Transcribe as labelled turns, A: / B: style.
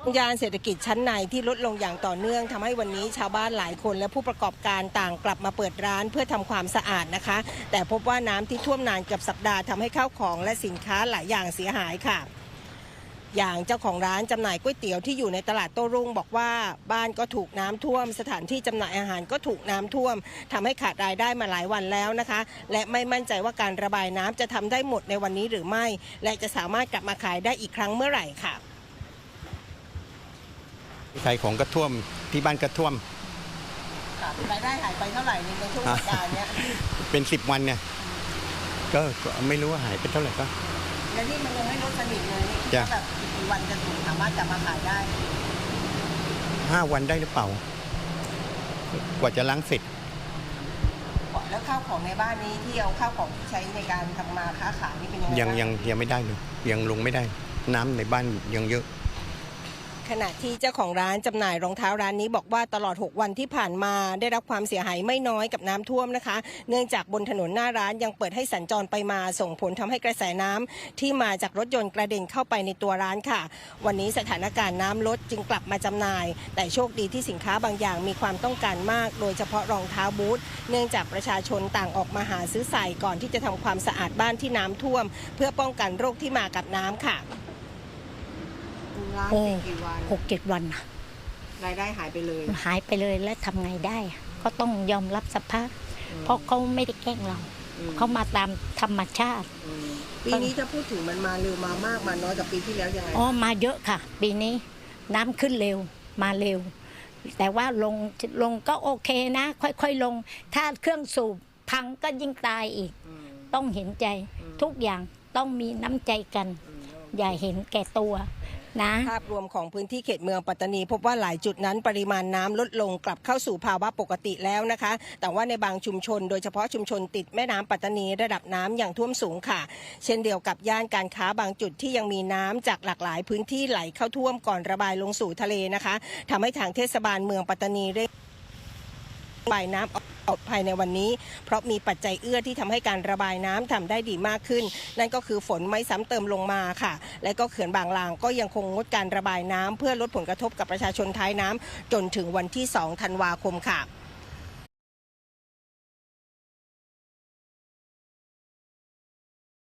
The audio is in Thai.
A: ยานเศรษฐกิจชั้นในที่ลดลงอย่างต่อเนื่องทำให้วันนี้ชาวบ้านหลายคนและผู้ประกอบการต่างกลับมาเปิดร้านเพื่อทำความสะอาดนะคะแต่พบว่าน้ำที่ท่วมนานเกือบสัปดาห์ทำให้ข้าวของและสินค้าหลายอย่างเสียหายค่ะอย่างเจ้าของร้านจำหน่ายก๋วยเตี๋ยวที่อยู่ในตลาดโต้รุ่งบอกว่าบ้านก็ถูกน้ำท่วมสถานที่จำหน่ายอาหารก็ถูกน้ำท่วมทำให้ขาดรายได้มาหลายวันแล้วนะคะและไม่มั่นใจว่าการระบายน้ำจะทำได้หมดในวันนี้หรือไม่และจะสามารถกลับมาขายได้อีกครั้งเมื่อไหร่ค่ะ
B: ขายของก็ท่วมที่บ้านก็ท่วม
A: รายได้หายไปเท่าไหร่ในช่วงสัปดาห์นี้
B: เป็น10 วันเนี่ยก็ไม่รู้ว่าหายไปเท่าไหร่ก็
A: แล้วนี่มันยังไม่ลดสนิทเลยนี่แบบกี่วันจะถึงสามารถกลับมาขายได้
B: 5 วันได้หรือเปล่ากว่าจะล้างเสร็จ
A: แล้วข้าวของในบ้านนี้ที่เอาข้าวของที่ใช้ในการทำมาค้าขายนี่เป็นยังไง
B: ยังไม่ได้เลยยังลงไม่ได้น้ำในบ้านยังเยอะ
A: ขณะที่เจ้าของร้านจำหน่ายรองเท้าร้านนี้บอกว่าตลอด6 วันที่ผ่านมาได้รับความเสียหายไม่น้อยกับน้ำท่วมนะคะเนื่องจากบนถนนหน้าร้านยังเปิดให้สัญจรไปมาส่งผลทำให้กระแสน้ำที่มาจากรถยนต์กระเด็นเข้าไปในตัวร้านค่ะวันนี้สถานการณ์น้ำลดจึงกลับมาจำหน่ายแต่โชคดีที่สินค้าบางอย่างมีความต้องการมากโดยเฉพาะรองเท้าบูทเนื่องจากประชาชนต่างออกมาหาซื้อใส่ก่อนที่จะทำความสะอาดบ้านที่น้ำท่วมเพื่อป้องกันโรคที่มากับน้ำค่ะ
C: 6-7 วัน
A: รายได้หายไปเลย
C: แล้วทำไงได้ก็ต้องยอมรับสภาพเพราะเขาไม่ได้แกล้งเราเขามาตามธรรมชาติ
A: ปีนี้ถ้าพูดถึงมันมาเร็วมามากมาน้อยกับปีที่แล้วยังไง
C: มาเยอะค่ะปีนี้น้ำขึ้นเร็วมาเร็วแต่ว่าลงก็โอเคนะค่อยๆลงถ้าเครื่องสูบพังก็ยิ่งตายอีกต้องเห็นใจทุกอย่างต้องมีน้ำใจกันอย่าเห็นแก่ตัว
A: ภาพรวมของพื้นที่เขตเมืองปัตตานีพบว่าหลายจุดนั้นปริมาณน้ำลดลงกลับเข้าสู่ภาวะปกติแล้วนะคะแต่ว่าในบางชุมชนโดยเฉพาะชุมชนติดแม่น้ำปัตตานีระดับน้ำยังท่วมสูงค่ะเช่นเดียวกับย่านการค้าบางจุดที่ยังมีน้ำจากหลากหลายพื้นที่ไหลเข้าท่วมก่อนระบายลงสู่ทะเลนะคะทำให้ทางเทศบาลเมืองปัตตานีเร่งระบายน้ำออกภายในวันนี้เพราะมีปัจจัยเอื้อที่ทำให้การระบายน้ำทำได้ดีมากขึ้นนั่นก็คือฝนไม่ซ้ำเติมลงมาค่ะและก็เขื่อนบางลางก็ยังคงงดการระบายน้ำเพื่อลดผลกระทบกับประชาชนท้ายน้ำจนถึงวันที่2 ธันวาคมค่ะ